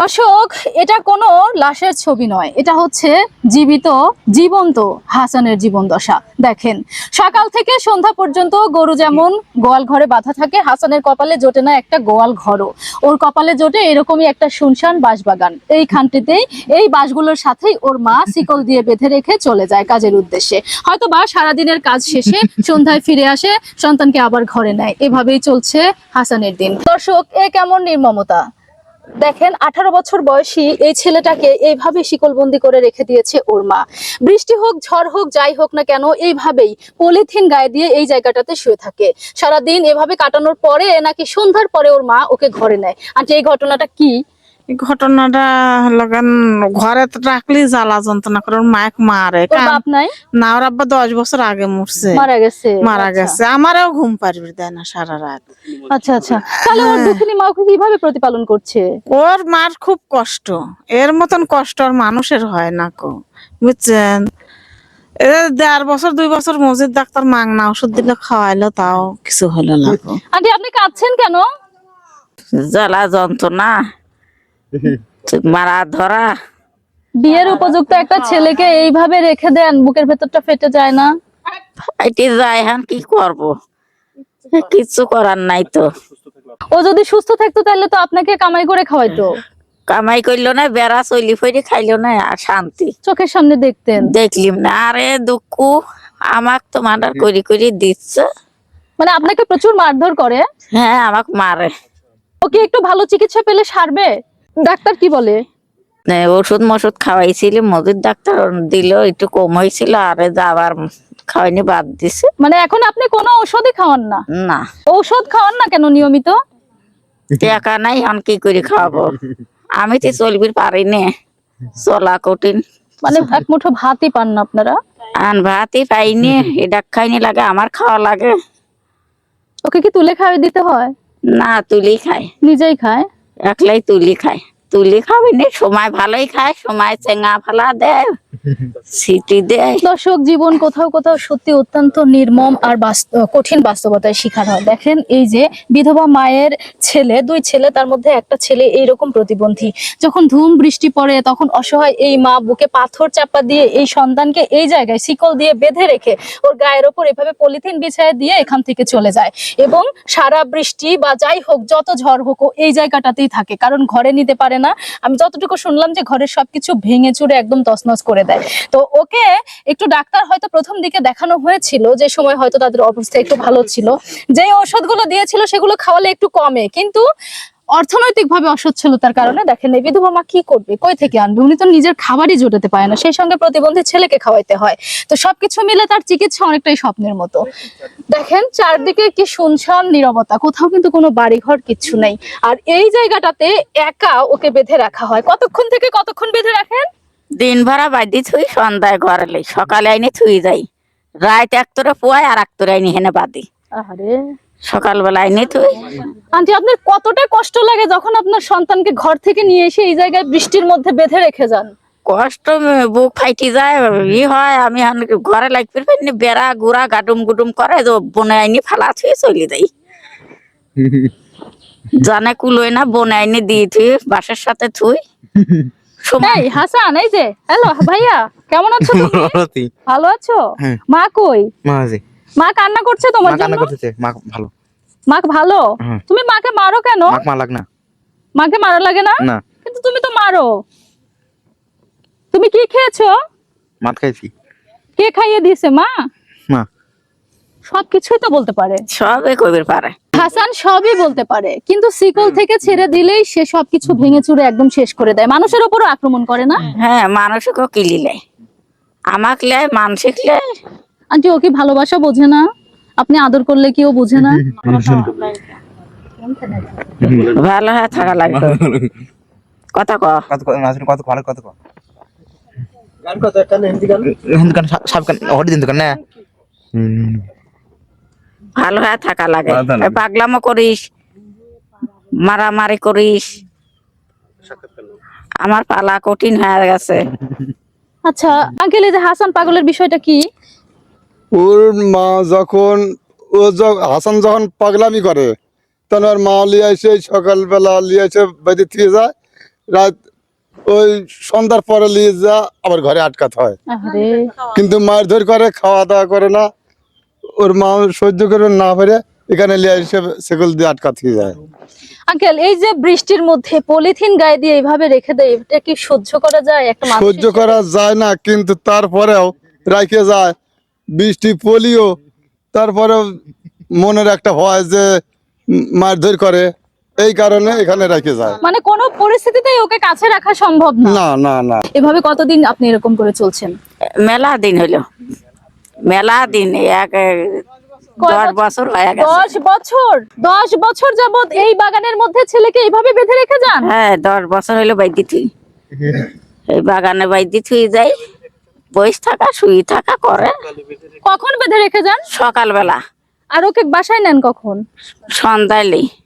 দর্শক, এটা কোনো লাশের ছবি নয়, এটা হচ্ছে জীবন্ত হাসানের জীবন দশা। দেখেন, সকাল থেকে সন্ধ্যা পর্যন্ত গরু যেমন গোয়াল ঘরে বাঁধা থাকে, হাসানের কপালে জোটে না একটা গোয়াল ঘরও। ওর কপালে জোটে এরকমই একটা শুনশান বাঁশবাগান। এই খানটিতেই এই বাঁশগুলোর সাথেই ওর মা শিকল দিয়ে বেঁধে রেখে চলে যায় কাজের উদ্দেশ্যে। হয়তো বা সারাদিনের কাজ শেষে সন্ধ্যায় ফিরে আসে, সন্তানকে আবার ঘরে নেয়। এভাবেই চলছে হাসানের দিন। দর্শক, এ কেমন নির্মমতা! দেখেন, 18 বছর বয়সী এই ছেলেটাকে এইভাবে শিকলবন্দি করে রেখে দিয়েছে ওর মা। বৃষ্টি হোক, ঝড় হোক, যাই হোক না কেন, এইভাবেই পলিথিন গায়ে দিয়ে এই জায়গাটাতে শুয়ে থাকে। সারাদিন এভাবে কাটানোর পরে নাকি সন্ধ্যার পরে ওর মা ওকে ঘরে নেয়। আর এই ঘটনাটা কি? এই ঘটনাটা লাগান ঘরে তো রাখলি জ্বালা যন্ত্রণা করে ওর মায়ের মারে। ওর বাপ নাই? না, ওর আব্বা 10 বছর আগে মরছে, মারা গেছে। মারা গেছে। আমারও ঘুম পারবি দেয় না সারা রাত। আচ্ছা আচ্ছা, তাহলে ওর দুঃখিনী মা ওকে কিভাবে প্রতিপালন করছে? ওর মার খুব কষ্ট, এর মতন কষ্ট আর মানুষের হয় না কো, বুঝছেন? 1.5 বছর 2 বছর মসজিদ ডাক্তার মাংনা ওষুধ দিলে খাওয়াইলো, তাও কিছু হলো না। আন্টি, আপনি কাঁদছেন কেন? জ্বালা যন্ত্রণা, মারা ধরা। বিয়ের উপযুক্ত একটা ছেলেকে এইভাবে রেখে দেন, বুকের ভেতরটা ফেটে যায় না? ফাইটে যায়, হ্যাঁ কি করব, কিছু করার নাই তো। ও যদি সুস্থ থাকতো তাহলে তো আপনাকে কামাই করে খাওয়াইতো। কামাই করলো না, বেড়া চলি ফইরে খাইলো না, আর শান্তি চোখের সামনে দেখতেন। দেখলিম না। আরে দুঃখ আমাক তো মার্ডার করি করি দিচ্ছে। মানে আপনাকে প্রচুর মারধর করে? হ্যাঁ, আমাক মারে। ওকে একটু ভালো চিকিৎসা পেলে সারবে? ডাক্তার কি বলে? ওষুধ মষুধ খাওয়াইছিল, মজুর ডাক্তার দিল, একটু কম হয়েছিল, আরে আবার খাওয়াইনি, বাদ দিছে। মানে এখন আপনি কোনো ঔষধই খাওয়ান না? না। ঔষধ খাওয়ান না কেন নিয়মিত? টাকা নাই, এখন কি করে খাওয়াবো? আমি তো চলবি পারি না, চলা কঠিন। মানে এক মুঠো ভাতই পান না আপনারা? আন ভাতই পাইনি, এটা খাইনি লাগে, আমার খাওয়া লাগে। ওকে কি তুলে খাওয়াই দিতে হয়? না, তুলি খায়, নিজেই খায়? একলাই তুলি খায়। তুলি খাবি না, সময় ভালোই খায়, সময় চেঙ্গা ফালা দেয়, সিটি দেয়। দর্শক, জীবন কোথাও কোথাও সত্যি অত্যন্ত নির্মম আর কঠিন বাস্তবতায় শিকার হয়। দেখেন, এই যে বিধবা মায়ের ছেলে, 2 ছেলে, তার মধ্যে একটা ছেলে এইরকম প্রতিবন্ধী। যখন ধুম বৃষ্টি পড়ে তখন অসহায় এই মা বুকে পাথর চাপা দিয়ে এই সন্তানকে এই জায়গায় শিকল দিয়ে বেঁধে রেখে ওর গায়ের ওপর এভাবে পলিথিন বিছায় দিয়ে এখান থেকে চলে যায়। এবং সারা বৃষ্টি বা যাই হোক, যত ঝড় হোক, ও এই জায়গাটাতেই থাকে, কারণ ঘরে নিতে পারে না। আমি যতটুকু শুনলাম যে ঘরের সবকিছু ভেঙে চুরে একদম তছনছ করে দেয়। তো ওকে একটু ডাক্তার হয়তো প্রথম দিকে দেখানো হয়েছিল, যে সময় হয়তো তাদের অবস্থা একটু ভালো ছিল, যে ওষুধগুলো দিয়েছিল সেগুলো খাওয়ালে একটু কমে, কিন্তু অর্থনৈতিক ভাবে অসচ্ছলতার কারণে দেখেন এই বিধবা মা কি করবে, কই থেকে আনবে? উনি তো নিজের খাবারই জোটাতে পারে না, সেই সঙ্গে প্রতিবন্ধী ছেলেকে খাওয়াইতে হয়। তো সবকিছু মিলে তার চিকিৎসা অনেকটাই স্বপ্নের মতো। দেখেন, চারদিকে কি শুনশান নীরবতা, কোথাও কিন্তু কোনো বাড়িঘর কিচ্ছু নেই। আর এই জায়গাটাতে একা ওকে বেঁধে রাখা হয়। কতক্ষণ থেকে কতক্ষণ বেঁধে রাখেন? দিন ভরা বাদি থুই, সন্ধ্যায় ঘরে লাই, সকালে আইনি থুই যাই, রাত একতরে পোয়ায় আর একতরে আইনি হেনে বাদি, আরে সকালবেলা আইনি থুই। আন্টি, আপনার কতটা কষ্ট লাগে যখন আপনার সন্তানকে ঘর থেকে নিয়ে এসে এই জায়গায় বৃষ্টির মধ্যে বেঁধে রেখে যান? কষ্ট, বুক ফাইটি যায়, হয়। আমি ঘরে লাগবে পাইনি, বেড়া গুড়া গাডুম গুডুম করে, বনে আইনি ফালা থুই চলে যাই। জানে কুলোয় না, বনে আইনি দিয়ে থুই, বাসের সাথে থুই। এই হাসান, এই যে, হ্যালো ভাইয়া, কেমন আছো তুমি? ভালো আছো? মা কই? মা কান্না করছে তোমার জন্য? মা ভালো? তুমি মাকে মারো কেন? মাকে মারা লাগে না? কিন্তু তুমি তো মারো। তুমি কি খেয়েছো? কে খাইয়ে দিয়েছে? মা? সবকিছুই তো বলতে পারে, সবে কবির পারে। হাসান সবই বলতে পারে, কিন্তু শিকল থেকে ছেড়ে দিলেই সে সবকিছু ভেঙে চুরে একদম শেষ করে দেয়। মানুষের উপরও আক্রমণ করে না? হ্যাঁ, মানুষকেও কিলিলে, আমাক লেয়, মানসিক লেয়। আন্টি, ও কি ভালোবাসা বোঝে না? আপনি আদর করলে কি ও বোঝে না? ভালো হয়ে থাকা লাগবে। কথা ভালো হয়ে থাকা লাগে। পাগলামো করিস, মারামারি করিস, আমার পালা কঠিন হয়ে গেছে। আচ্ছা আঙ্কেল, এই যে হাসান পাগলের বিষয়টা কি? ওর মা যখন হাসান যখন পাগলামি করে, তখন ওর মা লিয়ে এসে সকালবেলা লিয়ে এসে বেঁধে দিয়ে যায়, রাত ওই সন্ধ্যার পরে নিয়ে যা আবার ঘরে আটকাতে হয়। আরে কিন্তু মারধর করে, খাওয়া দাওয়া করে না, ওর মা সহ্য করে না পারে এখানে লিয়ে এসে সেগুল দিয়ে আটকাতে যায়। আঙ্কেল, এই যে বৃষ্টির মধ্যে পলিথিন গায়ে দিয়ে এইভাবে রেখে দেয়, এটা কি সহ্য করা যায় একটা মানুষ সহ্য করা যায় না, কিন্তু তারপরেও রাখে যায়। বৃষ্টি পলিও, তারপরেও মনের একটা ভয় যে মারধর করে, এই কারণে এখানে রেখে যায়। মানে কোনো পরিস্থিতিতেই ওকে কাছে রাখা সম্ভব না। না না না। এভাবে কতদিন আপনি এরকম করে চলছেন? মেলা দিন হইলো, মেলা দিন, এক কয় 10 বছর হয়ে গেছে। 10 বছর? 10 বছর যাবত এই বাগানের মধ্যে ছেলেকে এইভাবে বেঁধে রেখে যান? হ্যাঁ, 10 বছর হইলো বাইদি থুই, এই বাগানে বাইদি থুই যাই, বসে থাকা শুই থাকা করে। কখন বেঁধে রেখে যান? সকালবেলা আর ওকে বাসায় নেন কখন? সন্ধ্যায়